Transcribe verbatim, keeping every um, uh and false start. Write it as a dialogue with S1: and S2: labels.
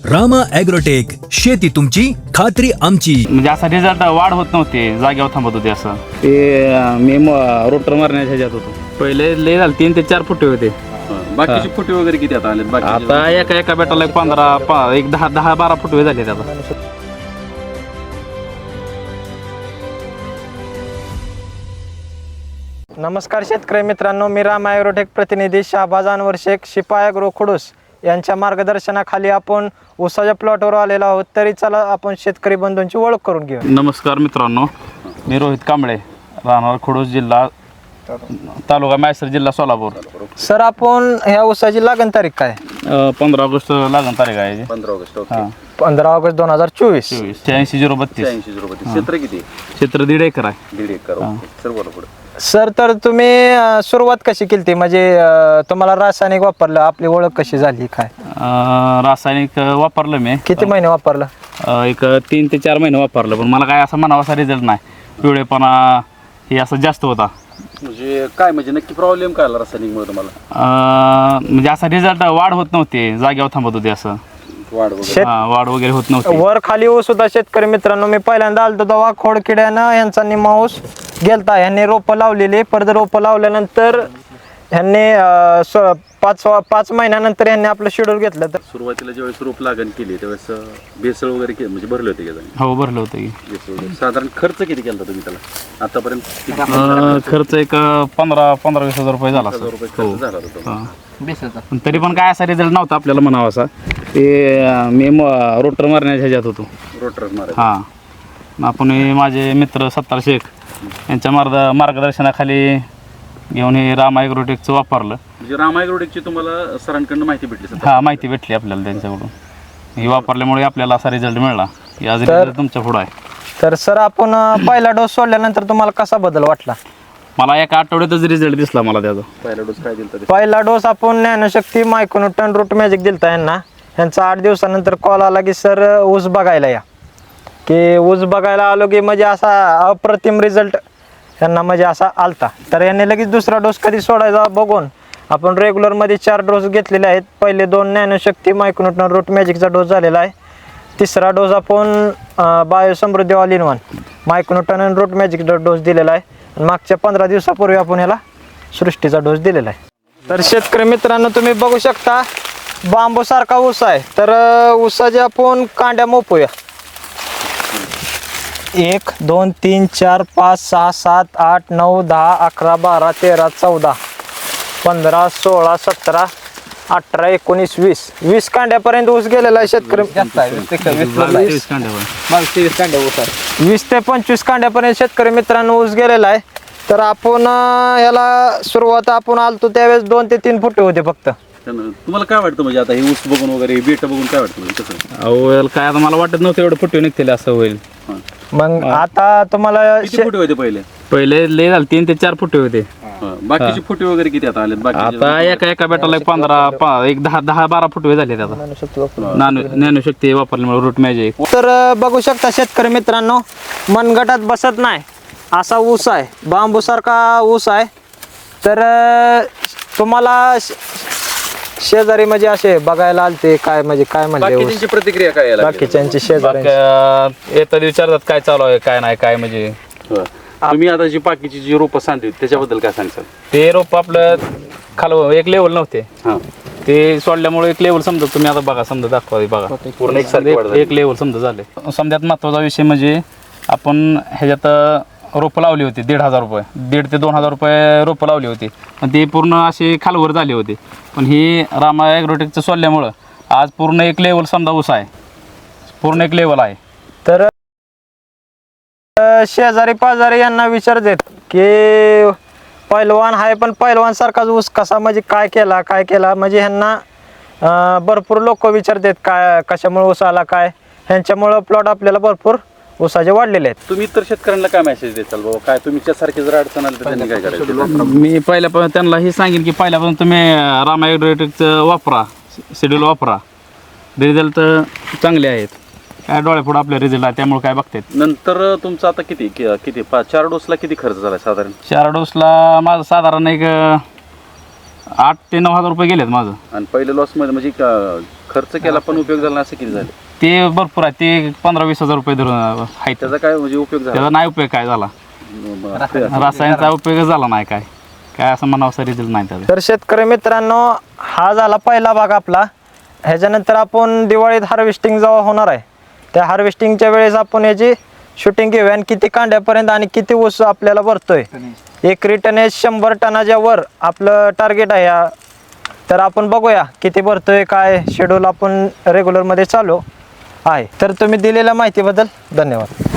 S1: Rama agrotech, शेती तुमची खात्री आमची.
S2: म्हणजे असा रिझल्ट वाढ होत नव्हते, जागेवर थांबत होते. असं ते मी रोटर मारण्याच्या ह्याच्यात होतो. पहिले लय झालं, तीन ते चार फुटे होते.
S3: बाकीचे फुटे वगैरे किती आता आले?
S2: आता एका एका बेटाला एक पंधरा पा- एक दहा दहा बारा फुटे झाले आता.
S4: नमस्कार शेतकरी मित्रांनो, मी रामा ॲग्रोटेक प्रतिनिधी शाहबाज अनवर शेख, शिपाई ॲग्रो खुडूस यांच्या मार्गदर्शनाखाली आपण ऊसाच्या प्लॉटवर आलेलो आहोत. तरी चला आपण शेतकरी बंधूंची ओळख करून घेऊ.
S2: नमस्कार मित्रांनो, मी रोहित कांबळे, राहणार खुडूस, जिल्हा तालुका म्हैसर, जिल्हा सोलापूर.
S4: सर, आपण ह्या ऊसाची लागण तारीख काय?
S2: पंधरा ऑगस्ट लागण तारीख आहे.
S3: पंधरा ऑगस्ट
S2: हा
S4: पंधरा ऑगस्ट दोन हजार चोवीस.
S2: शहाऐंशी झिरो बत्तीस.
S3: ऐंशी झिरो बत्तीस. क्षेत्र किती?
S2: क्षेत्र दीड एकर आहे.
S3: दीड एकर. सर्व पुढे.
S4: सर, तर तुम्ही अं, सुरुवात कशी केली ती? म्हणजे अं, तुम्हाला रासायनिक वापरलं, आपली ओळख कशी झाली काय?
S2: अं, रासायनिक वापरलं मी.
S4: किती महिने वापरलं?
S2: अं, एक तीन ते चार महिने वापरलं, पण मला काय असा म्हणावा रिझल्ट नाही. पिवळेपणा हे असं जास्त होता.
S3: म्हणजे काय, म्हणजे नक्की प्रॉब्लेम काय आला रासायनिकमुळे तुम्हाला?
S2: अं, म्हणजे असा रिझल्ट वाढ होत नव्हते, जागेवर थांबत होते. असं
S3: वाढ वगैरे?
S4: शेत
S2: हा, वाढ वगैरे होत नव्हती.
S4: वर खाली ऊस होता. शेतकरी मित्रांनो, मी पहिल्यांदा आलतो तेव्हा खोडकिड्यानं यांचा निम्मा ऊस गेलता. ह्यांनी रोपं लावलेली, परत रोपं लावल्यानंतर ह्यांनी अं, स- पाच पाच महिन्यानंतर ह्यांनी आपलं शेड्यूल घेतलं. तर
S3: सुरुवातीला ज्यावेळेस रोप लागण केली त्यावेळेस भेसळ वगैरे के- म्हणजे भरले होते का?
S2: हो, भरलं होतं की.
S3: भेसळ वगैरे. साधारण खर्च किती केला तुम्ही त्याला आतापर्यंत? किती
S2: अं, खर्च एक पंधरा पंधरा वीस हजार रुपये झाला
S3: हजार
S2: असेल.
S3: रुपये खर्च झाला होता.
S2: हा. पण तरी पण काय असा रिझल्ट नव्हता आपल्याला म्हणावा असा. ते अं, मी रोटर मारण्याच्या ह्याच्यात होतो.
S3: रोटर मारा.
S2: हां, आपण हे माझे मित्र सत्तार शेख यांच्या मार्ग मार्गदर्शनाखाली घेऊन हे रामा ॲग्रोटेकचं वापरलं.
S3: म्हणजे रामा ॲग्रोटेकची तुम्हाला सरांकडनं माहिती भेटली सर?
S2: हा, माहिती भेटली आपल्याला त्यांच्याकडून. हे वापरल्यामुळे आपल्याला असा रिझल्ट मिळाला. आज रिझल्ट तुमच्या पुढं आहे.
S4: तर सर, आपण अं, पहिला डोस सोडल्यानंतर तुम्हाला कसा बदल वाटला?
S2: मला एका आठवड्यातच रिझल्ट दिसला मला त्याचा.
S3: पहिला डोस काय दिला?
S4: पहिला डोस आपण ज्ञानशक्ती मायक्रोन्यूटन रूट मॅजिक दिलता यांना. यांचा आठ दिवसानंतर कॉल आला की सर ऊस बघायला या. की ऊस बघायला आलो की म्हणजे असा अप्रतिम रिझल्ट यांना म्हणजे असा आलता. तर यांनी लगेच दुसरा डोस कधी सोडायचा बघून आपण रेग्युलरमध्ये चार डोस घेतलेले आहेत. पहिले दोन ज्ञानशक्ती मायक्रोन्यूटन रूट मॅजिकचा डोस झालेला आहे. तिसरा डोस आपण Biosamruddhi all in one micronutrient आणि रूट मॅजिकचा डोस दिलेला आहे. आणि मागच्या पंधरा दिवसापूर्वी आपण ह्याला सृष्टीचा डोस दिलेला आहे. तर शेतकरी मित्रांनो, तुम्ही बघू शकता बांबू सारखा ऊस आहे. तर ऊसाच्या आपण कांड्या मोपूया. एक दोन तीन चार पाच सहा सात आठ नऊ दहा अकरा बारा तेरा चौदा पंधरा सोळा सतरा अठरा एकोणीस वीस वीस कांड्यापर्यंत ऊस गेलेला आहे शेतकरी. वीस ते पंचवीस कांड्यापर्यंत शेतकरी मित्रांनो ऊस गेलेला आहे. तर आपण अं, याला सुरुवात आपण आलतो त्यावेळेस दोन ते तीन फुटे होते फक्त.
S3: तुम्हाला काय वाटतं म्हणजे आता हे ऊस बघून वगैरे बेट बघून काय वाटतं म्हणजे कसं?
S2: अहो, काय आता मला वाटत नव्हतं एवढं फुटे निघतील असं होईल.
S4: मग आता तुम्हाला
S3: किती फुटे होते पहिले?
S2: पहिले लय झालं, तीन ते चार फुटे होते.
S3: बाकीचे फुटे वगैरे किती आता आले?
S2: आता एका एका बेटाला एक पंधरा पा- एक दहा दहा बारा फुटे झाले आता. नानो ज्ञानशक्ती वापरल्यामुळे रूट मॅजिक.
S4: तर अं, बघू शकता शेतकरी मित्रांनो, मनगटात बसत नाही असा ऊस आहे, बांबू सारखा ऊस आहे. तर अं, तुम्हाला श- शेजारी म्हणजे असे बघायला आलते काय, म्हणजे काय म्हणले ऊस?
S3: बाकीची प्रतिक्रिया काय यायला लागली?
S4: बाकीच्यांची शेजारी
S2: येतात विचारतात काय चालू आहे काय नाही काय. म्हणजे
S3: हो. तुम्ही आता जी बाकीची जी रोपं सांगली त्याच्याबद्दल काय सांगता?
S2: ते रोप आपलं खाल एक लेवल नव्हते,
S3: हा,
S2: ते सोडल्यामुळे एक लेवल समजा. तुम्ही आता बघा, समजा दाखवा, बघा
S3: पूर्ण एक सारखी वाढ
S2: एक
S3: झाली.
S2: एक लेवल समजा झाले. समजात महत्वाचा विषय म्हणजे आपण ह्याच्यात रोपं लावली होती दीड हजार रुपये दीड ते दोन हजार रुपये रोपं लावली होती. पण ते पूर्ण असे खालवर झाले होते. पण ही रामा ॲग्रोटेकचं सोडल्यामुळं आज पूर्ण एक लेवल समजा ऊस आहे, पूर्ण एक लेवल आहे.
S4: तर अं, शेजारी पाजारी यांना विचारतात की पैलवान आहे पण पैलवान सारखाच ऊस कसा, म्हणजे काय केला काय केला म्हणजे ह्यांना अं, भरपूर लोक विचारतात काय कशामुळे ऊस आला काय. ह्यांच्यामुळं प्लॉट आपल्याला भरपूर ऊसाचे वाढलेले आहेत.
S3: तुम्ही इतर शेतकऱ्यांना काय मेसेज देताल बाबा? काय तुमच्यासारखे जर अडचण आली तर त्यांनी काय करायचं?
S2: मी पहिल्यापासून त्यांना हे सांगेन की पहिल्यापासून तुम्ही रामा ॲग्रोटेकचं वापरा, शेड्यूल वापरा. रिझल्ट चांगले आहेत. काय डोळ्यापुढं आपले रिझल्ट आहे, त्यामुळे काय बघतात.
S3: नंतर तुमचं आता किती कि- किती पाच चार डोसला किती खर्च झाला साधारण?
S2: चार डोसला माझं साधारण एक आठ ते नऊ हजार रुपये गेलेत माझं.
S3: आणि पहिल्या लॉस मध्ये म्हणजे क- खर्च केला पण उपयोग झाला नाही असं किती झाले?
S2: ते भरपूर आहे, ते पंधरा वीस हजार रुपये धरून आहेत.
S3: त्याचा काय म्हणजे उपयोग झाला?
S2: त्याचा नाही उपयोग काय झाला,
S3: म-
S2: रासायनचा उपयोग झाला नाही काय काय असं म्हणावं रिझल्ट नाही त्याचा.
S4: तर शेतकरी मित्रांनो, हा झाला पहिला भाग आपला. ह्याच्यानंतर आपण दिवाळीत हार्वेस्टिंग जेव्हा होणार आहे त्या हार्वेस्टिंगच्या वेळेस आपण याची शूटिंग घेऊया आणि किती कांड्यापर्यंत आणि किती ऊस आपल्याला भरतोय. एक रिटर्न हे शंभर टनाच्या वर आपलं टार्गेट आहे. या तर आपण बघूया किती भरतोय, काय शेड्यूल आपण रेग्युलरमध्ये चालू आहे. तर तुम्ही दिलेल्या माहितीबद्दल धन्यवाद.